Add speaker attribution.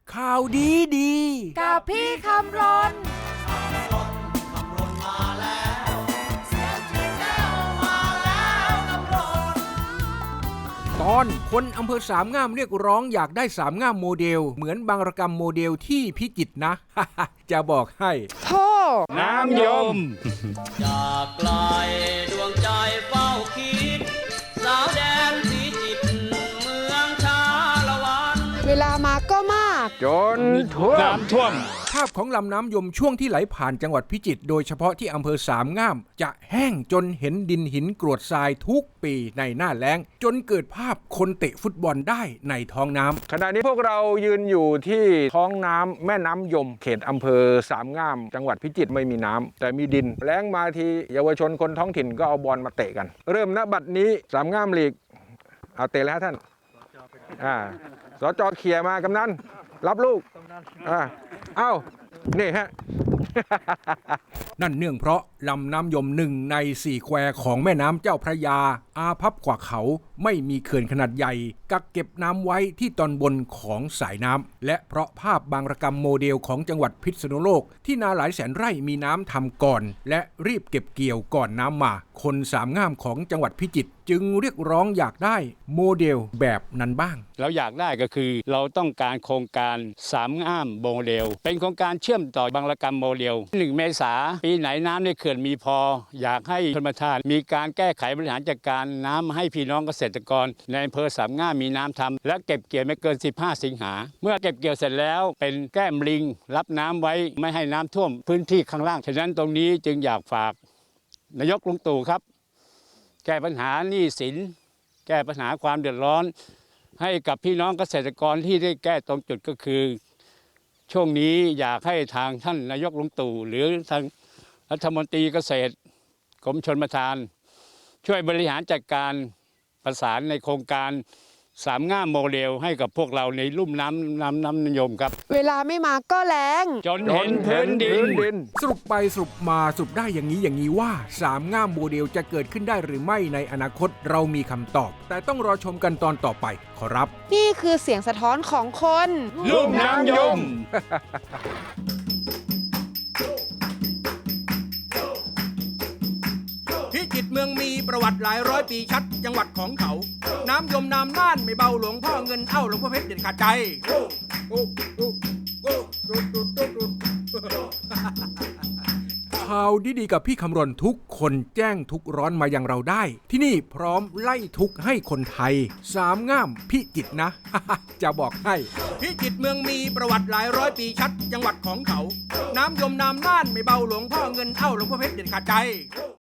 Speaker 1: ข่าวดีดี
Speaker 2: กับพี่คำรน
Speaker 1: ตอนคนอำเภอสามงามเรียกร้องอยากได้สามงามโมเดลเหมือนบางระกำโมเดลที่พิจิตรนะ จะบอกให้
Speaker 2: พ่อ
Speaker 1: น้ำยม
Speaker 3: จากไกลดวงใจเฝ้าคิดสาวแดนพิจิตรเมืองชาละวัน
Speaker 2: เวลามาก็มาก
Speaker 1: จนน้ำท่วมภาพของลำน้ำยมช่วงที่ไหลผ่านจังหวัดพิจิตรโดยเฉพาะที่อำเภอสามงามจะแห้งจนเห็นดินหินกรวดทรายทุกปีในหน้าแล้งจนเกิดภาพคนเตะฟุตบอลได้ในท้องน้ำขณะนี้พวกเรายืนอยู่ที่ท้องน้ำแม่น้ำยมเขตอำเภอสามงามจังหวัดพิจิตรไม่มีน้ำแต่มีดินแล้งมาทีเยาวชนคนท้องถิ่นก็เอาบอลมาเตะกันเริ่มณบัดนี้สามงามลีกเอาเตะแล้วท่านสจ.เขี่ยมากำนันรับลูกเอ้านี่ฮะ นั่นเนื่องเพราะลำน้ำยมหนึ่งใน4แควของแม่น้ำเจ้าพระยาอาภัพกว่าเขาไม่มีเขื่อนขนาดใหญ่กักเก็บน้ำไว้ที่ตอนบนของสายน้ำและเพราะภาพบางระกำโมเดลของจังหวัดพิษณุโลกที่นาหลายแสนไร่มีน้ำทำก่อนและรีบเก็บเกี่ยวก่อนน้ำมาคนสามงามของจังหวัดพิจิตรจึงเรียกร้องอยากได้โมเดลแบบนั้นบ้าง
Speaker 4: เราอยากได้ก็คือเราต้องการโครงการสามงามโมเดลเป็นโครงการเชื่อมต่อบางระกำโมเดล1 เมษายนปีไหนน้ำในเขื่อนมีพออยากให้ชลประทานมีการแก้ไขบริหารจัดการน้ำให้พี่น้องเกษตรกรในอำเภอสามงามมีน้ำทำและเก็บเกี่ยวไม่เกิน15 สิงหาเมื่อเก็บเกี่ยวเสร็จแล้วเป็นแก้มลิงรับน้ำไว้ไม่ให้น้ำท่วมพื้นที่ข้างล่างฉะนั้นตรงนี้จึงอยากฝากนายกลุงตู่ครับแก้ปัญหาหนี้สินแก้ปัญหาความเดือดร้อนให้กับพี่น้องเกษตรกรที่ได้แก้ตรงจุดก็คือช่วงนี้อยากให้ทางท่านนายกลุงตู่หรือทางรัฐมนตรีเกษตรกรมชลประทานช่วยบริหารจัดการประสานในโครงการสามงามโมเดลให้กับพวกเราในลุ่มน้ำนิยมครับ
Speaker 2: เวลาไม่มาก็แล้ง
Speaker 4: จนเห็นพื้นดิน
Speaker 1: สรุปไปสรุปมาสรุปได้อย่างนี้ว่าสามงามโมเดลจะเกิดขึ้นได้หรือไม่ในอนาคตเรามีคำตอบแต่ต้องรอชมกันตอนต่อไปขอรับ
Speaker 2: นี่คือเสียงสะท้อนของคน
Speaker 4: ลุ่มน้ำยม
Speaker 1: พิจิตรเมืองมีประวัติหลายร้อยปีชัดจังหวัดของเขาน้ำยมน้ำน่านไม่เบาหลวงพ่อเงินเอ้าหลวงพ่อเพชรเด่นขาดใจข่าวดีๆกับพี่คำรณทุกคนแจ้งทุกร้อนมายังเราได้ที่นี่พร้อมไล่ทุกให้คนไทยสามงามพิจิตรนะ จะบอกให้พิจิตรเมืองมีประวัติหลายร้อยปีชัดจังหวัดของเขาน้ำยมน้ำน่านไม่เบาหลวงพ่อเงินเอ้าหลวงพ่อเพชรเด่นขาดใจ